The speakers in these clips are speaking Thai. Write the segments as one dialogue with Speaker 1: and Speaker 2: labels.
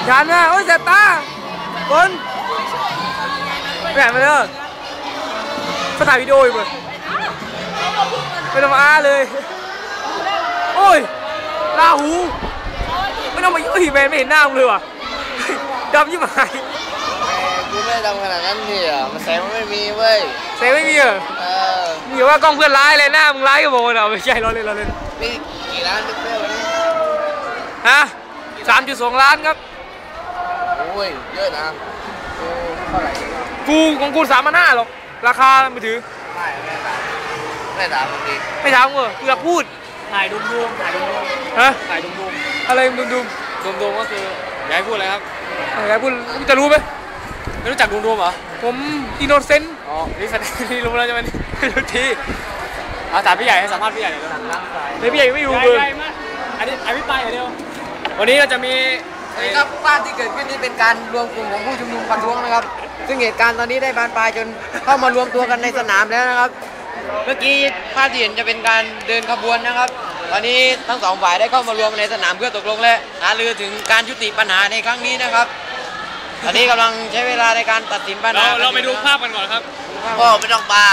Speaker 1: ยันนะโอ้ยเสียตาคนแหวนไปเลยถ่ายวิดีโออยู่เลยไม่ต้องมาเลยโอ้ยลาหูไม่ต้องมาเฮ้ยแมนไม่เห็นหน้ามึงเลยว่ะดำยิ่งหาย
Speaker 2: กูไม่ดำขนาดนั้นเนี่ยมันแสงมันไม่มีเว้ย
Speaker 1: แสงไม่มีเหรอมีว่ากล้องเพื่อนร้ายเลยหน้ามึงร้ายกับโบเราไม่ใช่เราเล่น
Speaker 2: นี่กี่ล้านเพื่อนวันนี้
Speaker 1: ฮะ3.2 ล้านครับ
Speaker 2: โอ้ยเยอะนะกูเท่าไหร่
Speaker 1: กูของกู3,500หรอกราคาไม่ถือ
Speaker 2: ไม่ถามมึงดิ
Speaker 1: ไม่ถามกูกูอยากพูด
Speaker 3: ถ่ายดุม
Speaker 1: ฮะ
Speaker 3: ถ่ายดุม
Speaker 1: อะไรดุม
Speaker 3: ก็คืออยากให้พูดอะไรครับ
Speaker 1: อยากพูดจะรู้ไหม
Speaker 3: ไม่รู้จักดุมเหรอ
Speaker 1: ผมอินโนเซนต์
Speaker 3: นี่รู้แล้วใช่ไหมรู้ทีถามพี่ใหญ่ให้สัมภาษณ์พี่ใหญ่หน่อย
Speaker 1: เลยพี่ใหญ่ไม่รู้เลย
Speaker 3: อันนี้พี่ไปเดียววันนี้เราจะมี
Speaker 2: ครับภาพที่เกิดขึ้นนี้เป็นการรวมกลุ่มของผู้ชุมนุมประท้วงนะครับซึ่งเหตุการณ์ตอนนี้ได้บานปลายจนเข้ามารวมตัวกันในสนามแล้วนะครับเมื่อกี้ภาพที่เห็นจะเป็นการเดินขบวนนะครับตอนนี้ทั้งสองฝ่ายได้เข้ามารวมในสนามเพื่อตกลงและหารือถึงการยุติปัญหาในครั้งนี้นะครับตอนนี้กำลังใช้เวลาในการตัดสินปัญหา
Speaker 3: เราไปดูภาพกันก่อนครับ
Speaker 2: ก็ไม่ต้องปลา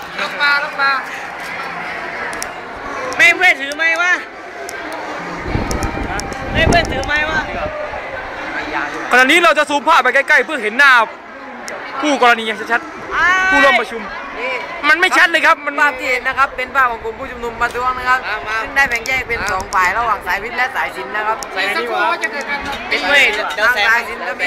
Speaker 1: ไม่เพื่อนถือไม้วะไม่เพื่อนถือไม้วะขณะนี้เราจะซูมภาพไปใกล้ๆเพื่อเห็นหน้าผู้กรณีอย่างชัดๆผู้ร่วมประชุมมันไม่ชัดเลยครับมัน
Speaker 2: ภาพที่เห็นนะครับเป็นภาพของกลุ่มผู้ชุมนุมประท้วงนะครับซึ่งได้แบ่งแยกเป็น2ฝ่ายระหว่างสายวิทย์และสายศิลป์นะครับ
Speaker 3: สายนี้ว่า
Speaker 2: เป็นเวททางสายศิลป์จะมี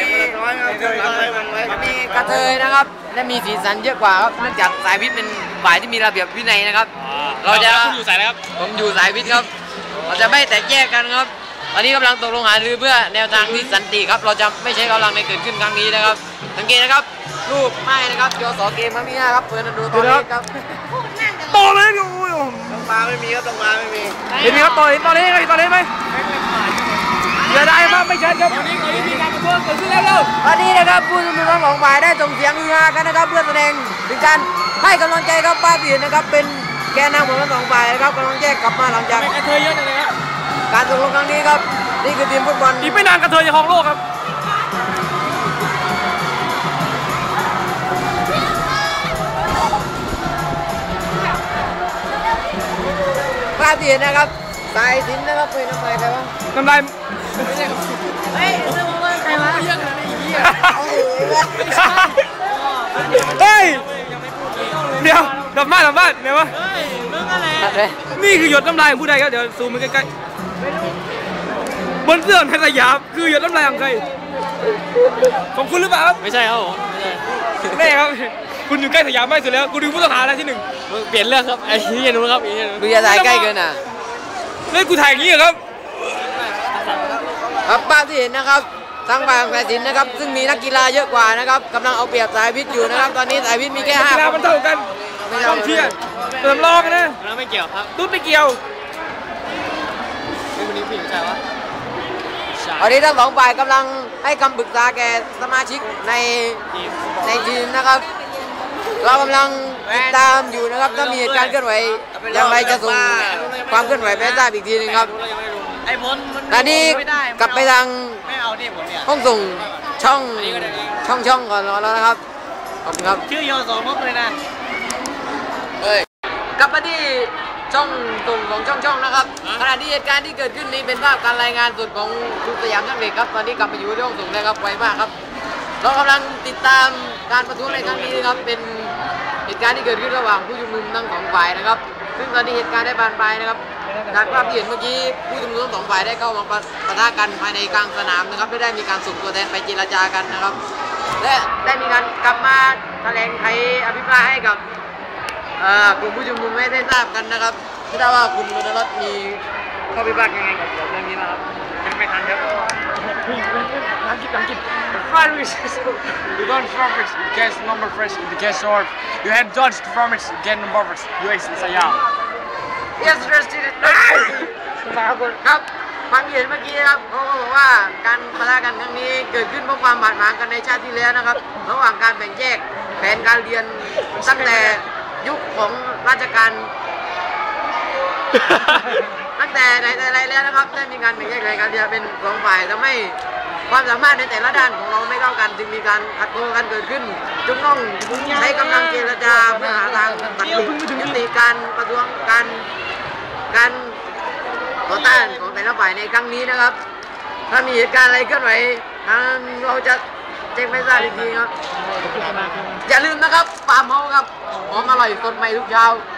Speaker 2: กระเทยนะครับและมีสีสันเยอะกว่าครับเนื่องจากสายวิทย์เป็นฝ่ายที่มีระเบียบวินัยนะครับ
Speaker 3: เราจะคุณอยู่สายอะไรครับ
Speaker 2: ผมอยู่สายวิทย์ครับเราจะไม่แตกแยกกันครับตอนนี้กำลังตกลงหารือเพื่อแนวทางที่สันติครับเราจะไม่ใช้กำลังในเกิดขึ้นครั้งนี้นะครับสังเกตนะครับรูปไม้นะครับจอสอเกมมามีนะครับเปิดดูตอนนี้ครับ
Speaker 1: ต่อเลยดู
Speaker 2: ต้องมาไม่มีครับต้องมาไม่มี
Speaker 1: เห็นไหมครับตอนนี้ไหมอย่าได้มาไม่ชัดครับ
Speaker 3: ตอนนี้มีการประท้วงเกิดขึ้นแล้ว
Speaker 2: ตอนนี้นะครับผู้ชุมนุมทั้งสองฝ่ายได้ส่งเสียงฮือฮากันนะครับเพื่อแสดงถึงการให้กำลังใจครับป้าบีนะครับเป็นแกนนำของทั้งสองฝ่ายนะครับกำลังแยกกลับมาหลังจาก
Speaker 3: กระเทยเยอะเลยครับ
Speaker 2: การตกลงครั้งนี้ครับนี่คือทีมฟุตบอล
Speaker 1: อีกไม่นานกระเทยจะครองโลกครับ
Speaker 2: ภาพที่เห็นนะครับสายสินนะครับเป็นน้ำลายใครวะ
Speaker 1: น้ำลาย
Speaker 2: เฮ้ยเรื่องว่าใครวะเยอะขนาดนี้
Speaker 1: เฮ้ยเดี๋ยวดับบ้านเนี่ยวะนี่คือหยดน้ำลายของผู้ใดครับเดี๋ยวซูมไปใกล้ๆบนเสื้อในสยามคือหยดน้ำลายของใครของคุณหรือเปล่าครับ
Speaker 3: ไม่ใช่ครับผม
Speaker 1: แน่ครับคุณอยู่ใกล้สยามมากสุดแล้วกูดูผู้ต้องหาอะไรที่
Speaker 3: 1เปลี่ยนเรื่องครับไอ้ที่นู้นครับ
Speaker 2: ดูอย่าถ่ายใกล้เกินอ่ะ
Speaker 1: เล่นกูถ่ายอย่างนี้ครับ
Speaker 2: ครับภาพที่เห็นนะครับทางฝ่ายสายศิลป์นะครับซึ่งมีนักกีฬาเยอะกว่านะครับกำลังเอาเปรียบสายวิทย์อยู่นะครับตอนนี้สายวิทย์มีแค่5
Speaker 1: กีฬามันเท่ากันต้องเชียร์เติมรอบนะ
Speaker 3: ไม่เกี่ยวครับ
Speaker 1: ตุ๊ดไม่เกี่ยว
Speaker 3: วันนี้ผู้หญิงใช่ปะ
Speaker 2: ตอนนี้ทั้งสองฝ่ายกำลังให้คำปรึกษาแก่สมาชิกในทีมนะครับเรากำลังติดตามอยู่นะครับถ้ามีเหตุการณ์เคลื่อนไหวอย่างไรจะส่งความเคลื่อนไหวไปทราบอีกทีนึงครับตอนนี้กลับไปทางห้องส่งช่องก่อนแล้วนะครับขอบคุณครับ
Speaker 3: ชื่อยอสองนกเลยนะ
Speaker 2: กลับมาที่ช่องส่งของช่องนะครับขณะที่เหตุการณ์ที่เกิดขึ้นนี้เป็นภาพการรายงานสดของกลุ่มสยามช่างเหล็กครับตอนนี้กลับมาอยู่ที่ห้องส่งแล้วครับไวมากครับเรากำลังติดตามการประท้วงในครั้งนี้นะครับเป็นเหตุการณ์ที่เกิดขึ้นระหว่างผู้ชุมนุมทั้งสองฝ่ายนะครับซึ่งตอนนี้เหตุการณ์ได้บานปลายนะครับจากภาพที่เห็นเมื่อกี้ผู้ชุมนุมทั้งสองฝ่ายได้เข้ามาปะทะกันภายในกลางสนามนะครับไม่ได้มีการส่งตัวแทนไปเจรจากันนะครับและได้มีการกลับมาแถลงไขอภิปรายให้กับกลุ่มผู้ชุมนุมไม่ได้ทราบกันนะครับไม่ทราบว่าคุณมนรัตน์มีข้อพิพาทยังไงกับเรื่องนี้นะครับ
Speaker 3: ยังไม่ทันครับ
Speaker 1: นักกิจ
Speaker 4: You don't performance, you guess number first, you guess short. You had dodged performance, you get number first. You ace in Sayam.
Speaker 2: Yes, interested. ครับฟังเห็นเมื่อกี้ครับเขาบอกว่าการปะทะกันครั้งนี้เกิดขึ้นเพราะความบาดหมางกันในชาติที่แล้วนะครับระหว่างการแบ่งแยกแผนการเรียนตั้งแต่ยุคของราชการตั้งแต่ไหนแต่ไรแล้วนะครับได้มีการแบ่งแยกแผนการเรียนเป็น2ฝ่ายทำให้ความสามารถในแต่ละด้านของเราไม่เท่ากันจึงมีการขัดข้องกันเกิดขึ้นจึงต้องใช้กำลังเจรจาเพื่อหาทางตัดยุติการประท้วงการต่อต้านของแต่ละฝ่ายในครั้งนี้นะครับถ้ามีเหตุการณ์อะไรเคลื่อนไหวทางเราจะแจ้งไม่ทราบอีกทีครับอย่าลืมนะครับฟาร์มเฮาส์ครับหอมอร่อยสดใหม่ทุกเช้า